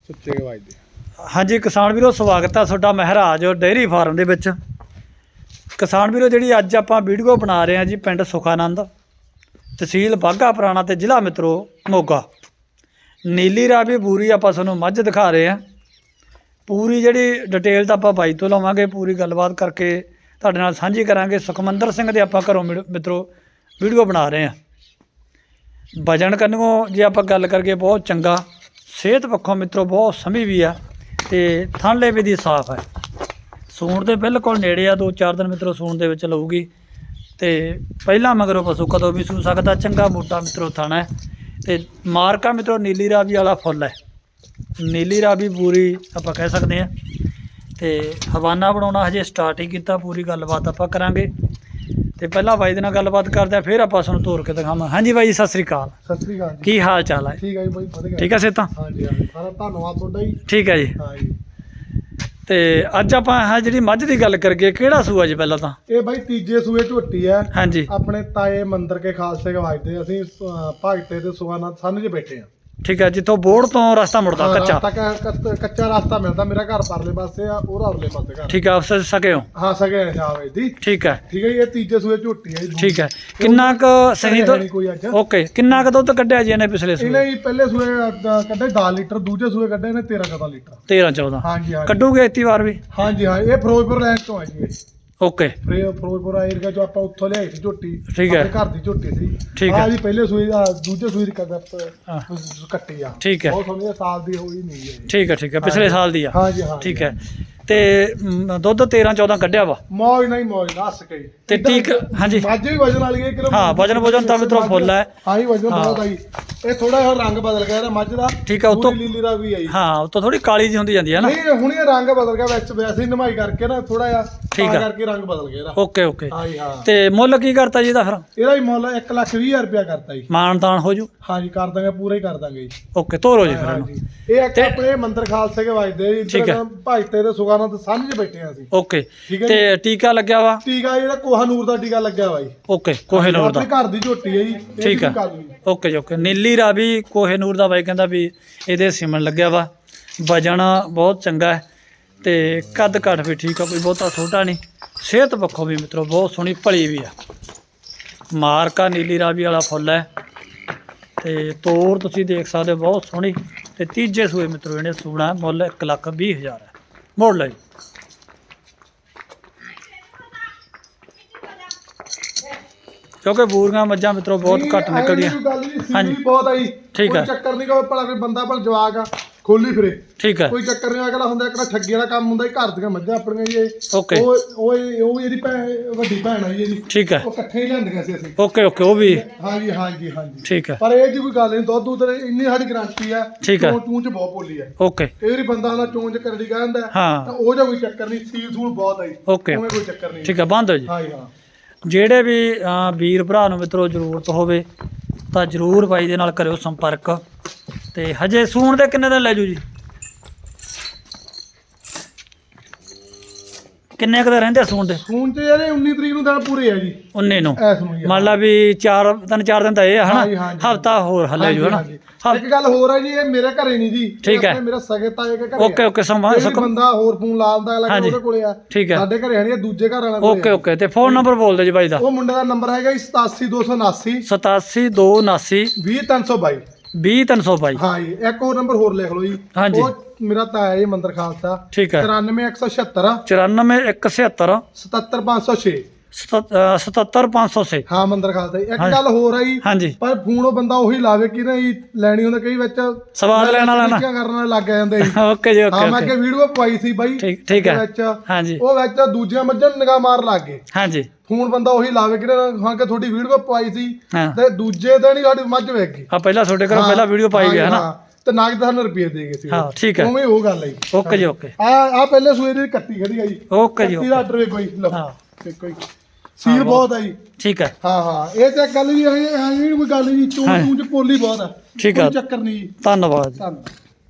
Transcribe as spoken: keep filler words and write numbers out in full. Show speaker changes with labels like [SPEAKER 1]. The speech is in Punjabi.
[SPEAKER 1] ਸੁੱਚੇ ਵੱਜਦੇ।
[SPEAKER 2] ਹਾਂਜੀ ਕਿਸਾਨ ਵੀਰੋ, ਸਵਾਗਤ ਹੈ ਤੁਹਾਡਾ ਮਹਿਰਾਜ ਡੇਅਰੀ ਫਾਰਮ ਦੇ ਵਿੱਚ। ਕਿਸਾਨ ਵੀਰੋ, ਜਿਹੜੀ ਅੱਜ ਆਪਾਂ ਵੀਡੀਓ ਬਣਾ ਰਹੇ ਹਾਂ ਜੀ, ਪਿੰਡ ਸੁਖਾਨੰਦ, ਤਹਿਸੀਲ ਬਾਘਾ ਪੁਰਾਣਾ ਤੇ ਜ਼ਿਲ੍ਹਾ ਮਿੱਤਰੋ ਮੋਗਾ। ਨੀਲੀ ਰਾਵੀ ਬੂਰੀ ਆਪਾਂ ਤੁਹਾਨੂੰ ਮੱਝ ਦਿਖਾ ਰਹੇ ਹਾਂ। ਪੂਰੀ ਜਿਹੜੀ ਡਿਟੇਲ ਤਾਂ ਆਪਾਂ ਬਾਈ ਤੋਂ ਲਵਾਂਗੇ, ਪੂਰੀ ਗੱਲਬਾਤ ਕਰਕੇ ਤੁਹਾਡੇ ਨਾਲ ਸਾਂਝੀ ਕਰਾਂਗੇ। ਸੁਖਮੰਦਰ ਸਿੰਘ ਦੇ ਆਪਾਂ ਘਰੋਂ ਮਿੱਤਰੋ ਵੀਡੀਓ ਬਣਾ ਰਹੇ ਹਾਂ। ਵਜਨ ਕੰਨੋਂ ਜੇ ਆਪਾਂ ਗੱਲ ਕਰੀਏ ਬਹੁਤ ਚੰਗਾ, ਸਿਹਤ ਪੱਖੋਂ ਮਿੱਤਰੋ ਬਹੁਤ ਸਮੀ ਵੀ ਆ ਤੇ ਥਣਲੇ ਵੀ ਦੀ ਸਾਫ਼ ਹੈ। ਸੂਣ ਦੇ ਬਿਲਕੁਲ ਨੇੜੇ ਆ, ਦੋ ਚਾਰ ਦਿਨ ਮਿੱਤਰੋ ਸੂਣ ਦੇ ਵਿੱਚ ਲਊਗੀ। ਤੇ ਪਹਿਲਾਂ ਮਗਰੋਂ ਪਸ਼ੂ ਕਦੋਂ ਵੀ ਸੂ ਸਕਦਾ। ਚੰਗਾ ਮੋਟਾ ਮਿੱਤਰੋ ਥਣ ਹੈ ਤੇ ਮਾਰਕਾ ਮਿੱਤਰੋ ਨੀਲੀ ਰਾਵੀ ਵਾਲਾ ਫੁੱਲ ਹੈ। ਨੀਲੀ ਰਾਵੀ ਬੂਰੀ ਆਪਾਂ ਕਹਿ ਸਕਦੇ ਹਾਂ। ਤੇ ਹਵਾਨਾ ਬਣਾਉਣਾ ਹਜੇ ਸਟਾਰਟ ਹੀ ਕੀਤਾ। ਪੂਰੀ ਗੱਲਬਾਤ ਆਪਾਂ ਕਰਾਂਗੇ ਤੇ ਪਹਿਲਾਂ ਬਾਈ ਦੇ ਨਾਲ ਗੱਲਬਾਤ ਕਰਦੇ ਆ, ਫਿਰ ਆਪਾਂ ਤੁਹਾਨੂੰ ਤੋਰ ਕੇ ਦਿਖਾਵਾਂ। ਹਾਂਜੀ ਬਾਈ, ਸਤਿ ਸ੍ਰੀ ਅਕਾਲ।
[SPEAKER 1] ਸਤਿ ਸ੍ਰੀ ਅਕਾਲ ਜੀ।
[SPEAKER 2] ਕੀ ਹਾਲ ਚਾਲ ਹੈ?
[SPEAKER 1] ਠੀਕ ਹੈ ਜੀ ਬਾਈ, ਵਧੀਆ।
[SPEAKER 2] ਠੀਕ ਹੈ ਸੇਤਾਂ?
[SPEAKER 1] ਹਾਂਜੀ ਹਾਂਜੀ, ਸਾਰਾ ਧੰਨਵਾਦ ਤੁਹਾਡਾ ਜੀ।
[SPEAKER 2] ਠੀਕ ਹੈ ਜੀ।
[SPEAKER 1] ਹਾਂ ਜੀ।
[SPEAKER 2] ਤੇ ਅੱਜ ਆਪਾਂ ਆਹ ਜਿਹੜੀ ਮੱਝ ਦੀ ਗੱਲ ਕਰੀਏ, ਕਿਹੜਾ ਸੂਆ ਜੀ ਪਹਿਲਾਂ ਤਾਂ?
[SPEAKER 1] ਇਹ ਬਾਈ ਤੀਜੇ ਸੂਏ ਝੋਟੀ ਹੈ।
[SPEAKER 2] ਹਾਂਜੀ।
[SPEAKER 1] ਆਪਣੇ ਤਾਏ ਮੰਦਰ ਕੇ ਖਾਲਸੇ ਕੇ ਵਾਜਦੇ ਅਸੀਂ ਭਾਗਤੇ ਤੇ ਸੁਖਾਨੰਦ ਸੰਨ 'ਚ ਬੈਠੇ ਆ।
[SPEAKER 2] ਠੀਕ ਹੈ, ਜਿੱਥੋਂ ਬੋੜ ਤੋਂ ਰਸਤਾ ਮੁੜਦਾ ਕੱਚਾ।
[SPEAKER 1] ਕੱਚਾ ਰਸਤਾ ਮਿਲਦਾ। ਮੇਰਾ ਘਰ ਪਰਲੇ ਪਾਸੇ ਆ, ਉਹਦਾ ਉਰਲੇ ਪਾਸੇ ਘਰ।
[SPEAKER 2] ਠੀਕ ਹੈ, ਆਪਸ ਸਕੇ ਹੋ?
[SPEAKER 1] ਹਾਂ ਸਕੇ ਆ ਦੀ।
[SPEAKER 2] ਠੀਕ ਹੈ
[SPEAKER 1] ਠੀਕ ਹੈ ਜੀ। ਇਹ ਤੀਜੇ ਸੂਏ ਝੋਟੀ ਹੈ ਜੀ।
[SPEAKER 2] ਠੀਕ ਹੈ। ਕਿੰਨਾ ਕੁ ਸਹੀ ਤੋਂ
[SPEAKER 1] ਕੋਈ ਅੱਜ
[SPEAKER 2] ਓਕੇ, ਕਿੰਨਾ ਕੁ ਦੁੱਧ ਕੱਢਿਆ ਜੀ ਇਹਨੇ ਪਿਛਲੇ ਸੂਏ?
[SPEAKER 1] ਇਹਨੇ ਜੀ ਪਹਿਲੇ ਸੂਏ ਕੱਢੇ ਦਸ ਲੀਟਰ, ਦੂਜੇ ਸੂਏ ਕੱਢੇ ਨੇ ਤੇਰਾਂ ਚੌਦਾਂ ਲੀਟਰ।
[SPEAKER 2] ਤੇਰਾਂ ਚੌਦਾਂ
[SPEAKER 1] ਹਾਂਜੀ ਹਾਂਜੀ।
[SPEAKER 2] ਕੱਢੂਗੇ ਇਤੀ ਵਾਰ ਵੀ?
[SPEAKER 1] ਹਾਂਜੀ ਹਾਂ। ਇਹ ਫਿਰੋਜ਼ਪੁਰ ਲੈਣ ਤੋਂ ਆ ਜੀ। ਇਹ
[SPEAKER 2] ਓਕੇ।
[SPEAKER 1] ਫਿਰੋਜ਼ਪੁਰ ਏਰੀਆ ਜੋ ਆਪਾਂ ਉੱਥੋਂ ਲਿਆਈ ਸੀ ਝੋਟੀ।
[SPEAKER 2] ਠੀਕ ਹੈ।
[SPEAKER 1] ਘਰ ਦੀ ਝੋਟੀ ਸੀ।
[SPEAKER 2] ਠੀਕ ਹੈ।
[SPEAKER 1] ਆ ਜੀ ਪਹਿਲੇ ਸੂਈ ਦਾ, ਦੂਜੇ ਸੂਈ ਦੀ ਕਦਪ
[SPEAKER 2] ਹਾਂ।
[SPEAKER 1] ਕੱਟੀ ਆ।
[SPEAKER 2] ਠੀਕ ਹੈ।
[SPEAKER 1] ਬਹੁਤ ਸੋਹਣੀ ਸਾਲ ਦੀ ਹੋਈ ਨਹੀਂ ਹੈ।
[SPEAKER 2] ਠੀਕ ਹੈ। ਠੀਕ ਹੈ, ਪਿਛਲੇ ਸਾਲ ਦੀ ਆ।
[SPEAKER 1] ਹਾਂਜੀ ਹਾਂ।
[SPEAKER 2] ਠੀਕ ਹੈ। ਤੇ ਮ, ਦੁੱਧ ਤੇਰਾਂ ਚੌਦਾਂ ਕੱਢਿਆ ਵਾ?
[SPEAKER 1] ਮੌਜ ਨਹੀਂ ਮੌਜ ਨਾ ਹੱਸ ਕੇ।
[SPEAKER 2] ਤੇ ਠੀਕ। ਹਾਂਜੀ
[SPEAKER 1] ਮੱਝ ਵੀ ਵਜਨ ਵਾਲੀ ਹੈ ਕਿਲੋ।
[SPEAKER 2] ਹਾਂ, ਵਜਨ ਵਜਨ ਤਾਂ ਮਿੱਤਰੋ ਫੁੱਲ ਹੈ।
[SPEAKER 1] ਹਾਂ ਜੀ, ਵਜਨ ਬਹੁਤ ਆਈ। ਇਹ ਥੋੜਾ ਜਿਹਾ ਰੰਗ ਬਦਲ ਗਿਆ ਇਹਦਾ ਮੱਝ ਦਾ।
[SPEAKER 2] ਠੀਕ ਹੈ। ਉਤੋਂ
[SPEAKER 1] ਲੀਲੀ ਦਾ ਵੀ ਆਈ।
[SPEAKER 2] ਹਾਂ, ਉਤੋਂ ਥੋੜੀ ਕਾਲੀ ਜੀ ਹੁੰਦੀ ਜਾਂਦੀ ਹੈ ਨਾ?
[SPEAKER 1] ਨਹੀਂ, ਹੁਣ ਇਹ ਰੰਗ ਬਦਲ ਗਿਆ ਵਿੱਚ, ਵੈਸੇ ਹੀ ਨਮਾਈ ਕਰਕੇ ਨਾ ਥੋੜਾ ਜਿਹਾ
[SPEAKER 2] ਠੀਕ
[SPEAKER 1] ਤਾਂ
[SPEAKER 2] ਹੈ।
[SPEAKER 1] ਕਰਕੇ ਰੰਗ ਬਦਲ ਗਿਆ ਇਹਦਾ।
[SPEAKER 2] Okay okay.
[SPEAKER 1] ਹਾਂ ਜੀ ਹਾਂ।
[SPEAKER 2] ਤੇ ਮੁੱਲ ਕੀ ਕਰਤਾ ਜੀ ਇਹਦਾ ਫਿਰ?
[SPEAKER 1] ਇਹਦਾ ਹੀ ਮੁੱਲ ਇੱਕ ਲੱਖ ਵੀਹ ਹਜ਼ਾਰ ਰੁਪਇਆ ਕਰਤਾ ਜੀ।
[SPEAKER 2] ਮਾਨ ਤਾਨ ਹੋ ਜੂ?
[SPEAKER 1] ਹਾਂਜੀ ਕਰ ਦਾਂਗੇ, ਪੂਰਾ ਹੀ ਕਰ ਦਾਂਗੇ ਜੀ।
[SPEAKER 2] ਓਕੇ, ਤੋਰੋ ਜੀ ਫਿਰ ਇਹਨੂੰ।
[SPEAKER 1] ਹਾਂਜੀ। ਇਹ ਇੱਕ ਆਪਣੇ ਮੰਦਰ ਖਾਲਸੇ ਕੇ ਵਾਜਦੇ ਜੀ।
[SPEAKER 2] ਠੀਕ ਹੈ।
[SPEAKER 1] ਭਾਜਤੇ ਤੇ ਸੁਖਾਨੰਦ ਸੰਨ 'ਚ ਬੈਠੇ ਆ ਅਸੀਂ।
[SPEAKER 2] ਓਕੇ।
[SPEAKER 1] ਠੀਕ ਹੈ
[SPEAKER 2] ਤੇ ਟੀਕਾ ਲੱਗਿਆ ਵਾ?
[SPEAKER 1] ਟੀਕਾ ਜਿਹੜਾ ਕੋਹਨੂਰ ਦਾ ਟੀਕਾ ਲੱਗਿਆ ਵਾ ਜੀ।
[SPEAKER 2] ਓਕੇ, ਕੋਹੇਨੂਰ ਦਾ।
[SPEAKER 1] ਆਪਣੇ ਘਰ ਦੀ ਝੋਟੀ ਹੈ ਜੀ। ਇਹ
[SPEAKER 2] ਠੀਕ ਹੈ।
[SPEAKER 1] ਵੀ ਕਰ ਲਈ।
[SPEAKER 2] ਓਕੇ ਜੀ ਓਕੇ। ਨੀਲੀ ਰਾਵੀ ਕੋਹੇਨੂਰ ਦਾ ਬਾਈ ਕਹਿੰਦਾ ਵੀ ਇਹਦੇ ਸਿਮਣ ਲੱਗਿਆ ਵਾ। ਵਜਨ ਬਹੁਤ ਚੰਗਾ ਹੈ ਤੇ ਕੱਦ ਘੱਟ ਵੀ ਠੀਕ ਆ, ਕੋਈ ਬਹੁਤਾ ਛੋਟਾ ਨਹੀਂ। ਸਿਹਤ ਪੱਖੋਂ ਵੀ ਮਿੱਤਰੋ ਬਹੁਤ ਸੋਹਣੀ ਭਲੀ ਵੀ ਆ। ਮਾਰਕਾ ਨੀਲੀ ਰਾਵੀ ਵਾਲਾ ਫੁੱਲ ਹੈ ਤੇ ਤੋਰ ਤੁਸੀਂ ਦੇਖ ਸਕਦੇ ਹੋ, ਬਹੁਤ ਸੋਹਣੀ। ਤੇ ਤੀਜੇ ਸੂਏ ਮਿੱਤਰੋ ਇਹਨੇ ਸੂਣਾ। ਮੁੱਲ ਇੱਕ ਲੱਖ ਵੀਹ ਹਜ਼ਾਰ ਹੈ। ਮੋੜ ਲੈ ਜੀ। ਕਿਉਂਕਿ ਬੂਰੀਆਂ ਮੱਝਾਂ ਮਿੱਤਰੋ ਬਹੁਤ ਘੱਟ ਨਿਕਲਦੀਆਂ।
[SPEAKER 1] ਹਾਂਜੀ ਬਹੁਤ ਆਈ।
[SPEAKER 2] ਠੀਕ ਹੈ।
[SPEAKER 1] ਕੋਈ ਚੱਕਰ ਨਹੀਂ, ਕੋਈ ਭਲਾ ਕੋਈ ਬੰਦਾ ਭਲ ਜਵਾਕ ਆ ਖੋਲੀ ਫਿਰੇ।
[SPEAKER 2] ਠੀਕ ਹੈ।
[SPEAKER 1] ਕੋਈ ਚੱਕਰ ਨਹੀਂ। ਅਗਲਾ ਹੁੰਦਾ ਇੱਕ ਠੱਗੀ ਵਾਲਾ ਕੰਮ ਹੁੰਦਾ। ਘਰ ਦੀਆਂ ਮੱਝਾਂ ਆਪਣੀਆਂ ਜੀ।
[SPEAKER 2] ਓਕੇ।
[SPEAKER 1] ਉਹ ਉਹ ਉਹ ਇਹਦੀ ਭੈਣ, ਵੱਡੀ ਭੈਣ ਆ ਜੀ ਇਹਦੀ।
[SPEAKER 2] ਠੀਕ ਹੈ।
[SPEAKER 1] ਉਹ ਇਕੱਠੇ ਹੀ ਲਿਆਂਦੀਆਂ ਸੀ ਅਸੀਂ।
[SPEAKER 2] Okay okay. ਉਹ ਵੀ?
[SPEAKER 1] ਹਾਂਜੀ ਹਾਂਜੀ ਹਾਂਜੀ।
[SPEAKER 2] ਠੀਕ ਹੈ।
[SPEAKER 1] ਪਰ ਇਹ ਜੀ ਕੋਈ ਗੱਲ ਨਹੀਂ, ਦੁੱਧ ਦੁੱਧ ਇੰਨੀ ਸਾਡੀ ਗਰੰਟੀ ਆ।
[SPEAKER 2] ਠੀਕ ਹੈ।
[SPEAKER 1] ਚੂੰ ਚ ਬਹੁਤ ਬੋਲੀ ਆ।
[SPEAKER 2] ਓਕੇ।
[SPEAKER 1] ਇਹ ਵਾਰੀ ਬੰਦਾ ਆਉਂਦਾ ਚੂੰ ਚ ਕਰੜੀ ਕਹਿੰਦਾ
[SPEAKER 2] ਹਾਂ।
[SPEAKER 1] ਤਾਂ ਉਹ ਜਿਹਾ ਕੋਈ ਚੱਕਰ ਨਹੀਂ। ਸੀਲ ਸੂਲ ਬਹੁਤ ਆਈ।
[SPEAKER 2] ਓਕੇ।
[SPEAKER 1] ਕੋਈ ਚੱਕਰ ਨਹੀਂ।
[SPEAKER 2] ਠੀਕ ਹੈ, ਬੰਦ ਹੋ ਜੀ।
[SPEAKER 1] ਹਾਂਜੀ ਹਾਂ।
[SPEAKER 2] ਜਿਹੜੇ ਵੀ ਅ, ਵੀਰ ਭਰਾ ਨੂੰ ਮਿੱਤਰੋ ਜ਼ਰੂਰਤ ਹੋਵੇ ਤਾਂ ਜ਼ਰੂਰ ਬਾਈ ਦੇ ਨਾਲ ਕਰਿਓ ਸੰਪਰਕ। ਤੇ ਹਜੇ ਸੂਣ ਦੇ ਕਿੰਨੇ ਦਿਨ ਲੈ ਜੂ ਜੀ? ਕਿੰਨੇ ਕੁ ਦਿਨ ਰਹਿੰਦੇ ਆ ਸੂਣ ਦੇ?
[SPEAKER 1] ਸੂਣ ਤੇ ਇਹਦੇ ਉੱਨੀ ਤਰੀਕ ਨੂੰ ਦਿਨ ਪੂਰੇ ਆ ਜੀ।
[SPEAKER 2] ਉੱਨੀ ਨੂੰ
[SPEAKER 1] ਐਸ ਨੂੰ ਜੀ।
[SPEAKER 2] ਮੰਨ ਲਾ ਵੀ ਚਾਰ ਤਿੰਨ ਚਾਰ ਦਿਨ ਤਾਂ ਇਹ ਆ
[SPEAKER 1] ਹਾਂਜੀ,
[SPEAKER 2] ਹਨਾ।
[SPEAKER 1] ਹਾਂਜੀ।
[SPEAKER 2] ਹਫਤਾ ਹੋਰ ਹੱਲੇ ਜੂ ਹਨਾ।
[SPEAKER 1] ਇੱਕ ਗੱਲ ਹੋਰ ਹੈ ਜੀ, ਇਹ ਮੇਰੇ ਘਰੇ ਨਹੀਂ ਜੀ।
[SPEAKER 2] ਠੀਕ ਹੈ।
[SPEAKER 1] ਮੇਰੇ ਸਗੇ ਤਾਏ ਦੇ ਘਰੇ।
[SPEAKER 2] Okay okay. ਸਮਾਂ
[SPEAKER 1] ਬੰਦਾ ਹੋਰ ਫੋਨ ਲਾ ਦਿੰਦਾ ਅਗਲਾ ਉਹਦੇ ਕੋਲੇ ਆ।
[SPEAKER 2] ਠੀਕ ਹੈ।
[SPEAKER 1] ਸਾਡੇ ਘਰੇ ਹਣੀ ਦੂਜੇ ਘਰ ਵਾਲਾ ਕੋਲੇ।
[SPEAKER 2] Okay okay. ਤੇ ਫੋਨ ਨੰਬਰ ਬੋਲ ਦਿਓ ਜੀ ਬਾਈ ਦਾ।
[SPEAKER 1] ਉਹ ਮੁੰਡੇ ਦਾ ਨੰਬਰ ਹੈਗਾ ਜੀ ਸਤਾਸੀ ਦੋ ਸੌ ਉਨਾਸੀ
[SPEAKER 2] ਸਤਾਸੀ ਦੋ ਉਨਾਸੀ
[SPEAKER 1] ਵੀਹ ਤਿੰਨ ਸੌ ਬਾਈ।
[SPEAKER 2] ਵੀਹ ਤਿੰਨ ਸੌ ਬਾਈ।
[SPEAKER 1] ਹਾਂ ਜੀ। ਇੱਕ ਹੋਰ ਨੰਬਰ ਹੋਰ ਲਿਖ ਲਓ ਜੀ।
[SPEAKER 2] ਹਾਂਜੀ।
[SPEAKER 1] ਉਹ ਮੇਰਾ ਤਾਇਆ ਜੀ ਮੰਦਰ ਖਾਲਸਾ।
[SPEAKER 2] ਠੀਕ ਹੈ।
[SPEAKER 1] ਤਰਾਨਵੇਂ ਇੱਕ ਸੌ ਛਿਅੱਤਰ
[SPEAKER 2] ਚੁਰਾਨਵੇਂ ਇੱਕ ਛਿਅੱਤਰ
[SPEAKER 1] ਸਤੱਤਰ ਪੰਜ ਸੌ ਛੇ
[SPEAKER 2] ਸਤੱਤਰ ਪੰਜ ਸੌ ਛੇ।
[SPEAKER 1] ਹਾਂ ਮੰਦਰ ਖਾਲਸਾ। ਇੱਕ ਗੱਲ ਹੋਰ ਆ ਜੀ।
[SPEAKER 2] ਹਾਂਜੀ।
[SPEAKER 1] ਪਰ ਫੋਨ ਉਹ ਬੰਦਾ ਉਹੀ ਲਾਵੇ ਕਿ ਨਹੀਂ ਲੈਣੀ ਹੁੰਦਾ, ਕਈ ਵਿੱਚ
[SPEAKER 2] ਸਵਾਦ ਲੈਣ ਵਾਲਾ ਨਾ
[SPEAKER 1] ਕਰਨ ਵਾਲੇ ਲੱਗ ਜਾਂਦੇ ਜੀ।
[SPEAKER 2] ਓਕੇ ਜੀ ਓਕੇ।
[SPEAKER 1] ਹਾਂ, ਮੈਂ ਅੱਗੇ ਵੀਡੀਓ ਪਾਈ ਸੀ ਬਾਈ।
[SPEAKER 2] ਠੀਕ ਠੀਕ ਹੈ।
[SPEAKER 1] ਵਿੱਚ
[SPEAKER 2] ਹਾਂਜੀ।
[SPEAKER 1] ਉਹ ਵਿੱਚ ਦੂਜੀਆਂ ਮੱਝਾਂ ਨੂੰ ਨਿਗਾਹ ਮਾਰ ਲੱਗ ਗਏ।
[SPEAKER 2] ਹਾਂਜੀ।
[SPEAKER 1] ਫੋਨ ਬੰਦਾ ਉਹੀ ਲਾਵੇ ਕਿ ਹਾਂ ਕਿ ਤੁਹਾਡੀ ਵੀਡੀਓ ਪਾਈ ਸੀ
[SPEAKER 2] ਹਾਂ।
[SPEAKER 1] ਤੇ ਦੂਜੇ ਦਿਨ ਹੀ ਸਾਡੀ ਮੱਝ ਵੇਖ ਗਈ।
[SPEAKER 2] ਆ ਪਹਿਲਾਂ ਤੁਹਾਡੇ ਘਰੋਂ ਪਹਿਲਾਂ ਵੀਡੀਓ ਪਾਈ ਗਿਆ ਹਨਾ।
[SPEAKER 1] ਤੇ ਨਗਦ ਸਾਨੂੰ ਰੁਪਏ ਦੇ ਗਏ ਸੀ।
[SPEAKER 2] ਹਾਂ ਠੀਕ ਹੈ।
[SPEAKER 1] ਉਵੇਂ ਉਹ ਗੱਲ ਹੈ ਜੀ।
[SPEAKER 2] ਓਕੇ ਜੀ ਓਕੇ।
[SPEAKER 1] ਆ ਆ ਪਹਿਲੇ ਸੂਏ ਦੀ ਕੱਟੀ ਖੜੀ ਆ ਜੀ।
[SPEAKER 2] ਓਕੇ ਜੀ
[SPEAKER 1] ਕੱਟੀ ਦਾ ਆਰਡਰ ਵੇਖੋ ਜੀ। ਲਓ
[SPEAKER 2] ਹਾਂ।
[SPEAKER 1] ਦੇਖੋ ਜੀ, ਸੀਲ ਬਹੁਤ ਆ ਜੀ।
[SPEAKER 2] ਠੀਕ ਹੈ।
[SPEAKER 1] ਹਾਂ ਹਾਂ। ਇਹ ਤੇ ਗੱਲ ਵੀ ਹੈ, ਕੋਈ ਗੱਲ ਨਹੀਂ। ਚੂੰ ਚੂੰ ਚ ਪੋਲੀ ਬਹੁਤ ਆ।
[SPEAKER 2] ਠੀਕ ਹੈ।
[SPEAKER 1] ਕੋਈ ਚੱਕਰ ਨਹੀਂ ਜੀ।
[SPEAKER 2] ਧੰਨਵਾਦ।
[SPEAKER 1] ਧੰਨਵਾਦ।